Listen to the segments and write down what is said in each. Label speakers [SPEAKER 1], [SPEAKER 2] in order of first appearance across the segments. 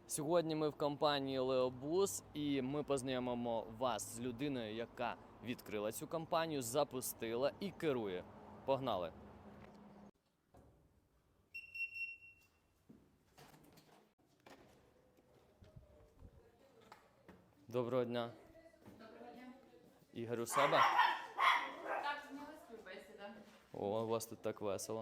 [SPEAKER 1] Сьогодні ми в компанії Леобус і ми познайомимо вас з людиною, яка відкрила цю компанію, запустила і керує. Погнали! Доброго дня.
[SPEAKER 2] Доброго дня.
[SPEAKER 1] Ігор у себе?
[SPEAKER 2] Так, зняли співбесіда.
[SPEAKER 1] О, у вас тут так весело.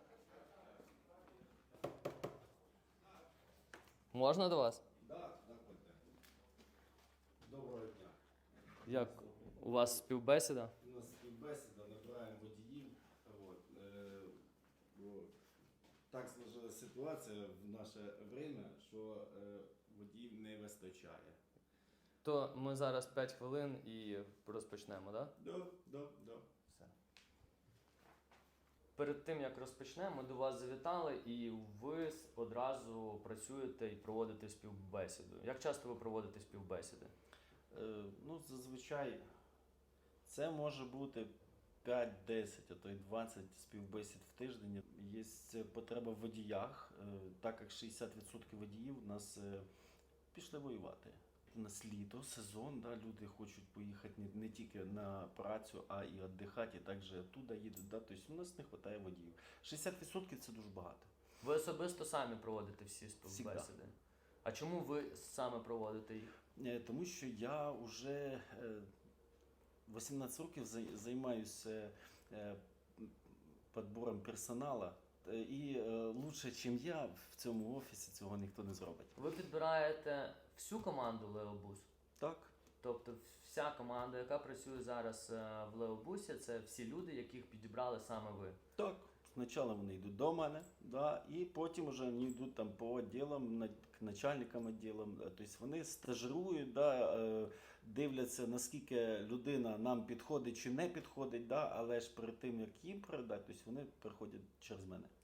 [SPEAKER 1] Можна до вас?
[SPEAKER 3] Так, заходьте. Доброго дня.
[SPEAKER 1] Як у вас співбесіда?
[SPEAKER 3] У нас співбесіда, набираємо водіїв. Бо так сложилася ситуація в наше время, що водіїв не вистачає.
[SPEAKER 1] То ми зараз 5 хвилин і розпочнемо, так?
[SPEAKER 3] Да.
[SPEAKER 1] Все. Перед тим, як розпочнемо, ми до вас завітали і ви одразу працюєте і проводите співбесіду. Як часто ви проводите співбесіди?
[SPEAKER 3] Зазвичай це може бути 5-10, а то й 20 співбесід в тиждень. Є потреба в водіях, так як 60% водіїв у нас пішли воювати. У нас літо, сезон, да, люди хочуть поїхати не тільки на працю, а і віддихати, і також туди їдуть. Да, тобто у нас не вистачає водіїв. 60% це дуже багато.
[SPEAKER 1] Ви особисто самі проводите всі співбесіди?
[SPEAKER 3] Всегда.
[SPEAKER 1] А чому ви саме проводите їх?
[SPEAKER 3] Тому що я вже 18 років займаюся підбором персоналу. І краще, ніж я, в цьому офісі цього ніхто не зробить.
[SPEAKER 1] Ви підбираєте всю команду Леобус?
[SPEAKER 3] Так.
[SPEAKER 1] Тобто вся команда, яка працює зараз в Леобусі, це всі люди, яких підібрали саме ви?
[SPEAKER 3] Так. Спочатку вони йдуть до мене, да, і потім вже вони йдуть там по відділам, к начальникам відділам. Тобто вони стажирують, да, дивляться, наскільки людина нам підходить чи не підходить, да, але ж перед тим, як їм передати, тобто вони приходять через мене.